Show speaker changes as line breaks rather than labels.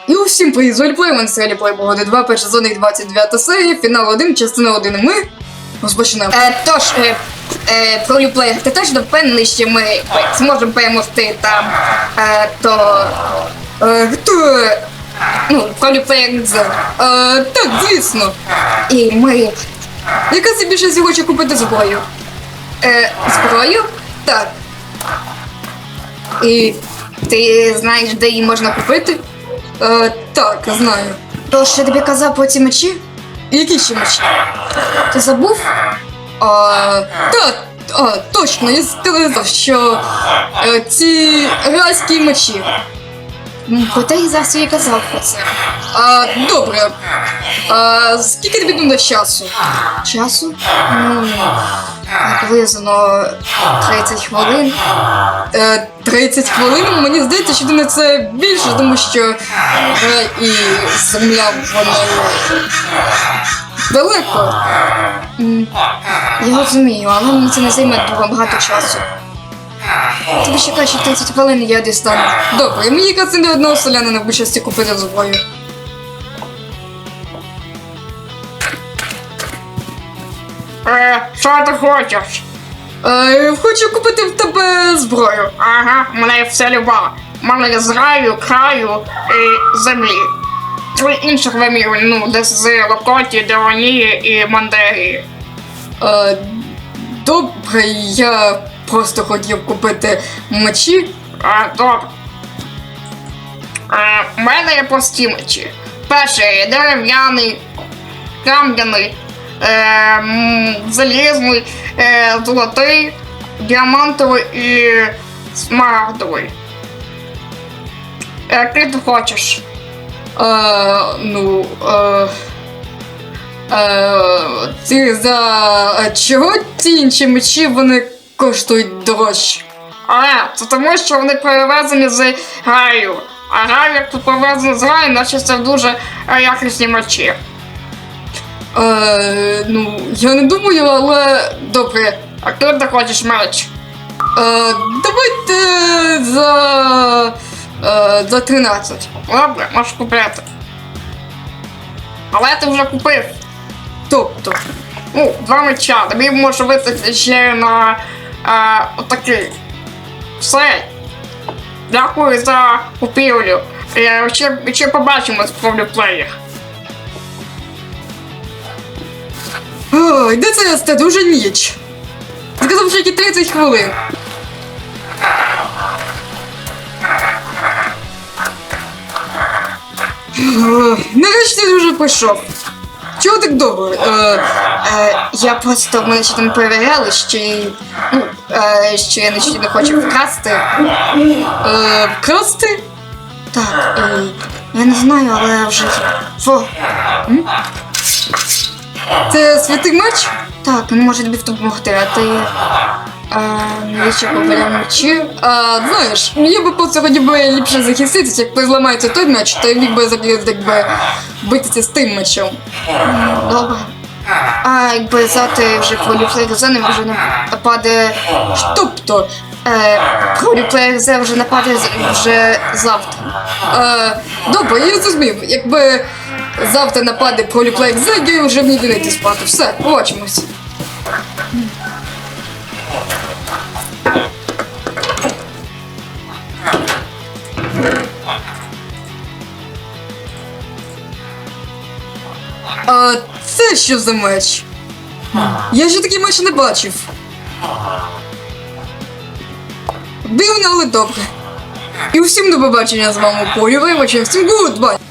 І усім привіт, з Вольплеєм, на серіалі Playboy 2, перша сезон, 29 серія, фінал 1, частина 1. Ми розпочинаємо. Тож, про Вольплеєр, ти точно впевнений, що ми зможемо перемогти там, хто? Ну, про Вольплеєр З. Так, звісно. І ми... Яка собі більше всього хоче купити зброю? Зброю? Так. І ти знаєш, де її можна купити? Так, знаю. Тож я тобі казав про ці мечі? Які ще мечі? Ти забув? Так, точно, я сказав, що ці райські мечі. Проте я зараз їй казав про це. Добре. Скільки тобі буде часу? Часу? Приблизно 30 хвилин. 30 хвилин? Мені здається, що ти на це більше, тому що і земля, вона далеко. Я розумію, але мені це не займе дуже багато часу. Тобі ще краще 30 хвилин, я дістану. Добре, мені якраз не одного селянина в більшості купити зброю.
Що ти хочеш?
Хочу купити в тебе зброю.
Ага, мене все люба. Мене з раю, краю і землі. Три інших вимірів, ну, десь з Локоті, Деонії і Мандерії.
Добре, я просто хотів купити мечі.
Добре. У мене є прості мечі. Перший дерев'яний, кам'яний, залізний, золотий, діамантовий і смарагдовий. Який ти хочеш?
Ці чого ці інші мечі, вони коштують дорожче?
Це тому, що вони перевезені з раю. А рай, як тут перевезені з раю, наче це дуже якісні мечі.
Я не думаю, але добре.
А ким ти хочеш меч?
Давайте за 13.
Добре, можеш купити. Але ти вже купив.
Тобто?
Два меча. Тобі може вистачити ще на отакий. Все. Дякую за купівлю. Ще побачимось в Вольплеєр.
Ой, де це я стеду? Уже ніч. Сказав, що тільки 30 хвилин. Нарешті ти вже прийшов. Чого так довго?
Я просто, мене ще там перевіряли, що я не хочу вкрасти.
Вкрасти?
Так, я не знаю, але вже...
Це святий меч?
Так, він може тобі допомогти, а ти... Навіщо поберемо мечі?
Знаєш, я би по сьогодні ліпше захиститися, як зламається той меч, то я міг би битися з тим мечем.
Добре. Якби завтра вже про Вольплеєр З вже нападе...
Тобто?
Про Вольплеєр З вже нападе вже завтра.
Добре, я зрозумів. Якби завтра нападе про Вольплеєр З, я вже не йти спати. Все, побачимось. Це що за меч? Я ще такий меч не бачив. Дивно, але добре. І усім до побачення з вами Полювай, всім гудбай!